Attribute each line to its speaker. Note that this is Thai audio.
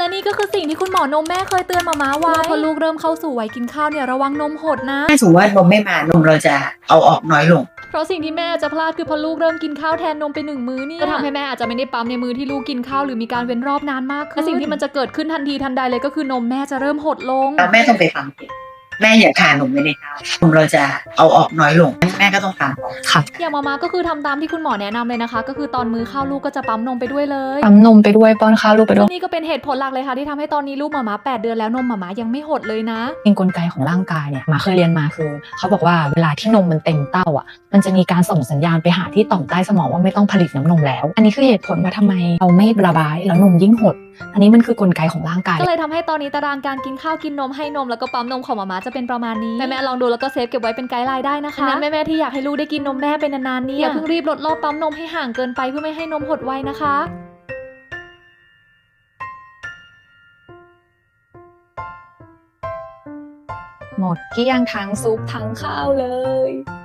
Speaker 1: และนี่ก็คือสิ่งที่คุณหมอนมแม่เคยเตือนมาไว้ว่าพอลูกเริ่มเข้าสู่วัยกินข้าวเนี่ยระวังนมหดนะ
Speaker 2: ถ้าสมมติว่านมไม่มานมเราจะเอาออกน้อยลง
Speaker 1: เพราะสิ่งที่แม่จะพลาดคือพอลูกเริ่มกินข้าวแทนนมไป1 มื้อเนี่ยจะทำให้แม่อาจจะไม่ได้ปั๊มในมือที่ลูกกินข้าวหรือมีการเว้นรอบนานมากขึ้นและสิ่งที่มันจะเกิดขึ้นทันทีทันใดเลยก็คือนมแม่จะเริ่มหดลง
Speaker 2: แล้วแม่ต้องไปฟังเด็กแม่อย่าทานนมไว้ในข้าวนมเราจะเอาออกน้อยลงแม่ก็ต้องฟังค่ะ
Speaker 1: อย่างมาก็คือทำตามที่คุณหมอแนะนำเลยนะคะก็คือตอนมื้อข้าวลูกก็จะปั๊มนมไปด้วยเลย
Speaker 3: ปั๊มนมไปด้วยป้อนข้าวลูกไปด้วย
Speaker 1: นี่ก็เป็นเหตุผลหลักเลยค่ะที่ทำให้ตอนนี้ลูกมา8 เดือนแล้วนมมายังไม่หดเลยนะ
Speaker 3: เป็นกลไกของร่างกายเนี่ยมาเคยเรียนมาคือเขาบอกว่าเวลาที่นมมันเต็มเต้าอ่ะมันจะมีการส่งสัญญาณไปหาที่ต่อมใต้สมองว่าไม่ต้องผลิตน้ำนมแล้วอันนี้คือเหตุผลว่าทำไมเราไม่ระบายแล้วนมยิ่งหดอันนี้มันคือกลไกของร่างกาย
Speaker 1: ก็เลยทำให้ตอนนี้ตารางการกินข้าวกินนมให้นมแล้วก็ปั๊มนมของมาจะเป็นประมาณนี้แม่ลองดูแล้วก็เซฟเก็บไว้เป็นไกด์ไลน์ได้นะคะแม่ที่อยากให้ลูกได้กินนมแม่เป็นนานๆนี่อย่าเพิ่งรีบลดรอบปั๊มนมให้ห่างเกินไปเพื่อไม่ให้นมหดไวนะคะ
Speaker 3: หมดเกลี้ยงทั้งซุปทั้งข้าวเลย